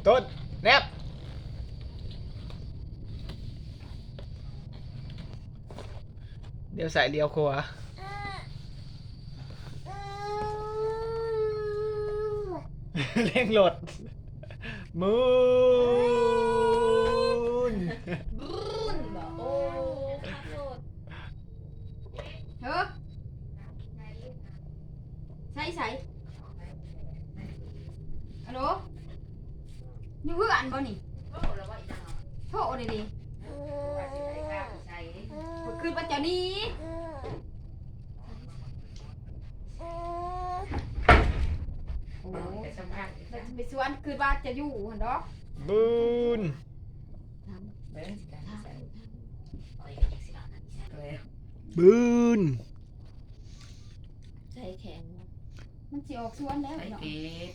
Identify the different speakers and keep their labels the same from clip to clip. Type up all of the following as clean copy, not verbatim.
Speaker 1: ต้นแนบเดี๋ยวใส่เลี้ยวขวาเร่งรถมูน
Speaker 2: บุญบอกโอ้ขับรถ
Speaker 3: เฮ้อใส่ฮัลโหลนี่เพื่อนบ่นี่โทษเลยดิคือปัจจุบันนี้โอ้ไปสวนคือว่าจะอยู่หันดอก
Speaker 1: บูน บูน
Speaker 2: ใจแข็ง
Speaker 3: มันสิออกสวนแล้ว
Speaker 4: ไอ้
Speaker 3: เนาะ
Speaker 4: เพชร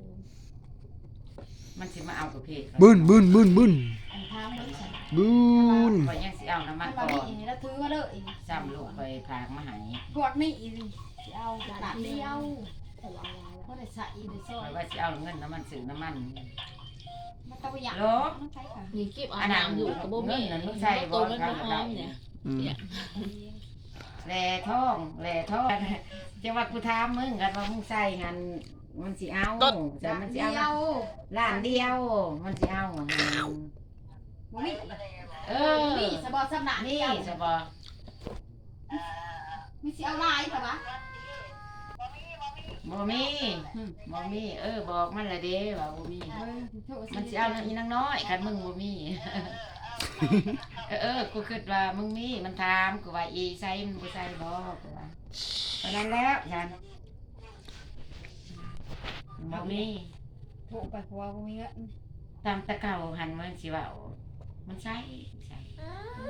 Speaker 4: มันสิมาเอากับเพชร
Speaker 1: บูน บูน บูน บูน
Speaker 3: อันทางมันสั่น
Speaker 1: บูน
Speaker 4: คอยยังสิเอาน้ำมัน
Speaker 3: มัน
Speaker 4: ก่
Speaker 3: มา
Speaker 4: อน
Speaker 3: นี่แล้วถือมาเลย
Speaker 4: จำลูกไปพากมาใหาย
Speaker 3: พวกนี้สิเอาหลานเดียว
Speaker 2: แต่ว่า
Speaker 3: บ่ได้ใส่ได้ซอ
Speaker 4: คอย ยว่าสิเอาเงินน้ำมันซื้อน้ำมัน
Speaker 3: มันต้องไปอยาก
Speaker 4: โล
Speaker 3: มันใช้ค่ะ
Speaker 2: มีคลิปอาบน้ำอยู่กับบ่มีตัวมันบ่หอมเนี่ย
Speaker 4: แหล่ท้องจังว่ากูถามมึงกันว่ามึงใส่หันมันสิเอาแต่มันสิ
Speaker 3: เดี
Speaker 4: เอา
Speaker 3: ยว
Speaker 4: ล้านเดียว มันสิเอา
Speaker 3: บ่มี
Speaker 4: เอ
Speaker 3: มีสบอสำนัก
Speaker 4: นี่
Speaker 3: เดียว
Speaker 4: สบอ
Speaker 3: มีสิเอาลายแต่ว่า
Speaker 4: บ่มีบอกมันละเด้ว่าบ่มี
Speaker 3: โทษ
Speaker 4: มันสิเอาอีนางน้อยคันมึงบ่มี กูคิดว่ามึงมีมันถามกูว่าอีใส่มันบ่ใส่บ่กูว่าเพราะนั้นแล้วฉันบ่มี
Speaker 3: โทษไปเพราะว่าบ่มีเงิน
Speaker 4: ตามตะเก่าหันมันสิว่ามันใส่